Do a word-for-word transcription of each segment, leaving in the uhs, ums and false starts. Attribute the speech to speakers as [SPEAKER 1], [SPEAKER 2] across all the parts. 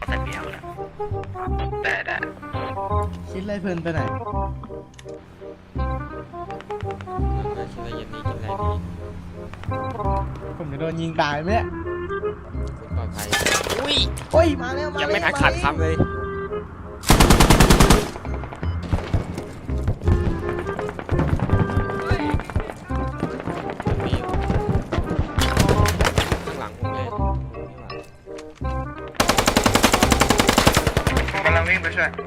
[SPEAKER 1] ใส่เบียร์แล้วได้ได้
[SPEAKER 2] คิดอะไรเพลินไปไหน
[SPEAKER 3] คิดอะไรเย็นนี้กินอะไรดี
[SPEAKER 2] ผมจะโดนยิงตายไหมเนี่ย
[SPEAKER 3] ปลอดภัยอุ้ย
[SPEAKER 2] โอ้ยมาแล้ว
[SPEAKER 3] ยังไม่ทันขาดคำเลยข้างหลังผมเลย
[SPEAKER 1] กำลังวิ่งไปช่วย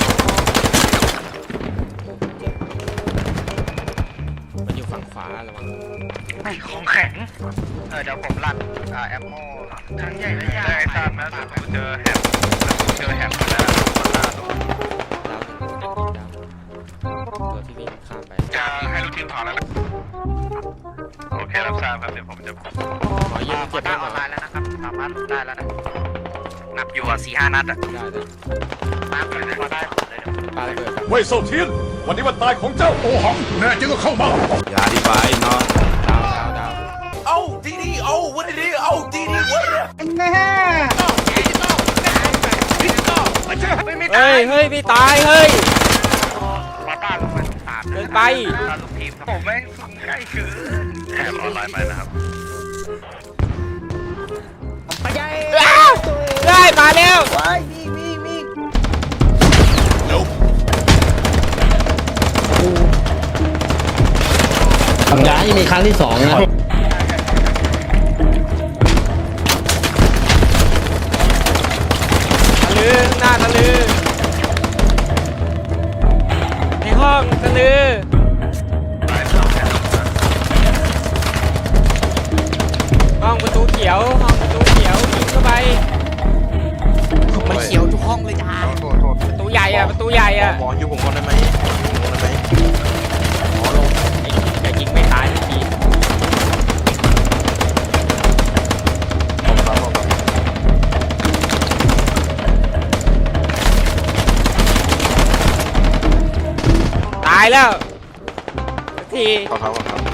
[SPEAKER 3] มันอยู่ฝั่งขวาระวัง
[SPEAKER 1] ของแข็งเออเดี๋ยวผมลั่นอ่าแอมโม่ทั้งใหญ่และยาวได้ทราบนะแต่ผมเจอแฮมเจอแฮมมาแล้วดาว
[SPEAKER 3] ดาวตัวที่วิ่งข้ามไป
[SPEAKER 1] จะให้ลูกทีมถอนแล้วโอเครับทราบครับเดี๋ยวผมจะ
[SPEAKER 3] ขอยืมเก็บได้
[SPEAKER 1] ออนไลน์แล้วนะครับสามารถลงได้แล้วนะนับอยู่อ่ะสี่ห้านัดอ่ะ
[SPEAKER 3] ได้ได้
[SPEAKER 1] นับเลยพอได้เลย
[SPEAKER 3] ปาระเบิด
[SPEAKER 4] เว่ยเซาเทียนวันนี้วันตายของเจ้าโอหังแน่จริงก็เข้ามา
[SPEAKER 5] อย่าดีไปเนาะ
[SPEAKER 3] ดาวดาวดาว
[SPEAKER 5] เอาดีดีเอาวันนี้เอาดีดีวันนี้
[SPEAKER 3] เฮ้ยเฮ้ยไม่ตายเฮ้ย
[SPEAKER 1] มาต้านลงไปสาม
[SPEAKER 3] เกินไป
[SPEAKER 1] ลูกทีมผมไม่ใกล้คือแอบออนไลน์ไปนะครับ
[SPEAKER 3] ไปยัยได้มาแล้ว
[SPEAKER 2] ว้ายมีมีมีทำงานยังมีครั้งที่สองนะ
[SPEAKER 3] ตะลือหน้าตะลือในห้องตะลือห้องประตูเขียวห้องประตูเขียวยิงเข้าไป
[SPEAKER 2] มันเขียวทุกห้องเลยจ้า
[SPEAKER 3] ประตูใหญ่อะประตูใหญ่อะ
[SPEAKER 5] หมออยู่ผมก่อนได้ไหมผมก่อนได้ไหม
[SPEAKER 3] หมอลงไอ้จะยิงไม่ตายทันทีตายแล้วที
[SPEAKER 5] ขอครับขอครับ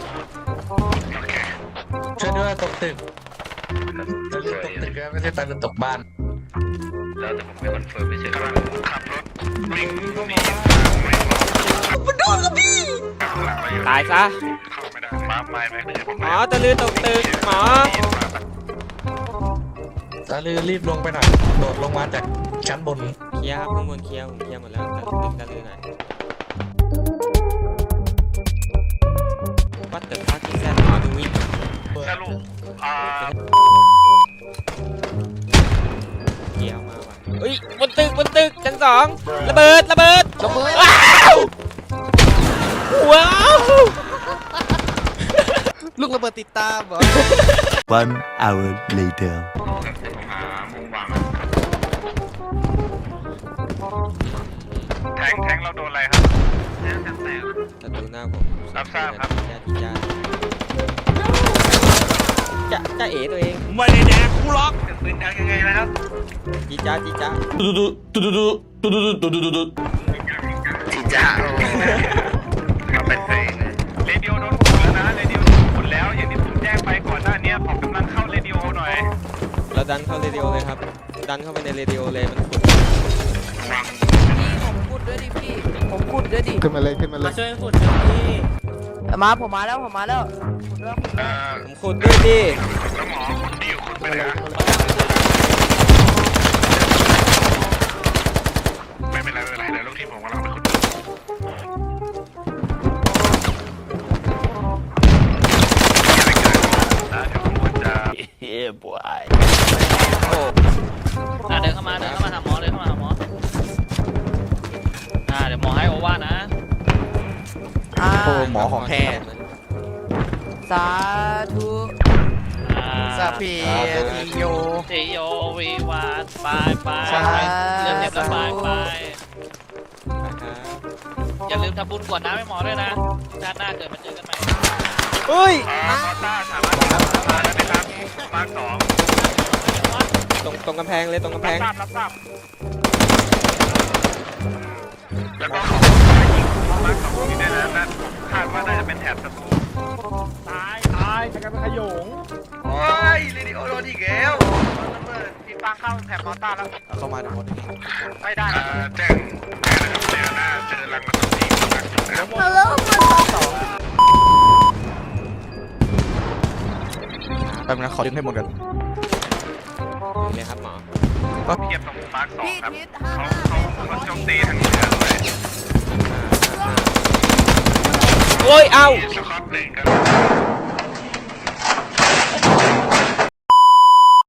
[SPEAKER 6] ช่วยด้วยตกตึกตกตึกไม่ใช่ตายตกบ้าน
[SPEAKER 1] แล้วแต่ผมไม่คอนเฟิร์มไม่เชื่อกำลังขับรถวิ่งเข้ามา
[SPEAKER 2] มาดูกับพี่
[SPEAKER 3] ตายซะ
[SPEAKER 1] เข้าไม่ได้มาไม่ไม่ไม่ผม
[SPEAKER 3] หมอตะลือตกตึกหมอ
[SPEAKER 6] ตาลือรีบลงไปหน่อยโดดลงมาจากชั้นบน
[SPEAKER 3] เคลียร์ครับข้างบนเคลียร์ผมเคลียร์หมดแล้วตะลือตึกตะลือหน่อยวัดเตอร์พาร์ตี้แซนหมอดูวิ่ง
[SPEAKER 1] สรุปอ่า
[SPEAKER 3] เกี่ยวมาว่ะเฮ้ยบนตึกบนตึกชั้นสองระเบิดระเบิด
[SPEAKER 2] ระเบิด
[SPEAKER 3] ว้าวว้าว
[SPEAKER 2] ลูกระเบิดติดตามเหรอ
[SPEAKER 5] One hour later
[SPEAKER 1] แทงแทงเราโดนอะไรครับ
[SPEAKER 3] ประตูหน้าผม
[SPEAKER 1] รับทราบครับ
[SPEAKER 3] จ้าจ้าจ้าเอ๋ตัวเอง
[SPEAKER 5] ไม่ได้แดกกูล็อก
[SPEAKER 1] ปืนดังยังไงนะครับ
[SPEAKER 3] จีจ้าจีจ้า
[SPEAKER 5] ตุ๊ดตุ๊ดตุ๊ดตุ๊ดตุ๊ดตุ๊ดตุ๊ด
[SPEAKER 1] จีจ้าเราเป็นเพลงเรดิโอโดนขุดแล้วนะเรดิโอโดนขุดแล้วอย่างที่ผมแจ้งไปก่อนหน้านี้ผมกำลังเข้าเรดิโอหน่อย
[SPEAKER 3] เราดันเข้าเรดิโอเลยครับดันเข้าไปในเรดิโอเลยมันขุด
[SPEAKER 2] ผมขุดด้วยดิพี่ผมขุดด้วยดิ
[SPEAKER 6] ขึ้นมาเลยขึ้นมาเลย
[SPEAKER 2] มาช่วยขุดดิพี่มาผมมาแล้วผมมาแล้ว
[SPEAKER 3] ผมขุดด้วยดิ
[SPEAKER 1] แล้วหมอขุดดิวขุดไปเลยไม่เป็นไรไม่เป็นไรเดี๋ยวลูกทีมผมกำลังไปขุด
[SPEAKER 5] เฮ้ยบอย
[SPEAKER 3] โอ้
[SPEAKER 2] เดินเข้ามาเดินเข้ามาหาหมอเดินเข้ามาหาหมออ่าเดี๋ยวหมอให้โอวาทนะ
[SPEAKER 5] โอ้หมอของแท้
[SPEAKER 2] สาธุสัพเพติโย
[SPEAKER 7] ติโยวิวาสไปไปเรื่องเจ็บสบายไปอย่าลืมทำบุญก่อนนะไม่หมอด้วยนะชาติหน้าเกิดมาเจอกันใหม่
[SPEAKER 3] เฮ้ย
[SPEAKER 1] มอต้าสามารถมาได้ไหมครับมาร์คสอง
[SPEAKER 3] ตรงตรงกำแพงเลยตรงกำแพง
[SPEAKER 1] รับทราบแล้วก็มาร์คสองนี่ได้แล้วนะคาดว่าน่าจะเป็นแถบศัตรู
[SPEAKER 2] ตายตายจะกันเป็นขยง
[SPEAKER 1] โอ้ยเรดิโอโดนอีกแล้วพี่ปำลังเข้าแถบมอต้าแล้ว
[SPEAKER 2] เข้ามาทั้งหมด
[SPEAKER 1] ไม่ได้นะแจ้งแจ้งนะครับเจอหน้าเจอรังกระสุนอีกหนักจุดนะครับ
[SPEAKER 8] ฮัลโหลมันสอง
[SPEAKER 2] แป๊บนึงนะขอดึงให้หมดกัน
[SPEAKER 3] เลยครับหมอ
[SPEAKER 1] เทียบตรงมาร์คสอง
[SPEAKER 8] พี่
[SPEAKER 1] ครับ
[SPEAKER 8] ทิศห้า
[SPEAKER 1] เขา
[SPEAKER 8] ห้า
[SPEAKER 1] เขาเขาโจมตีทางเหนือด้วย
[SPEAKER 3] โอ้ย เอ้า
[SPEAKER 1] สกอตหนึ่งครับ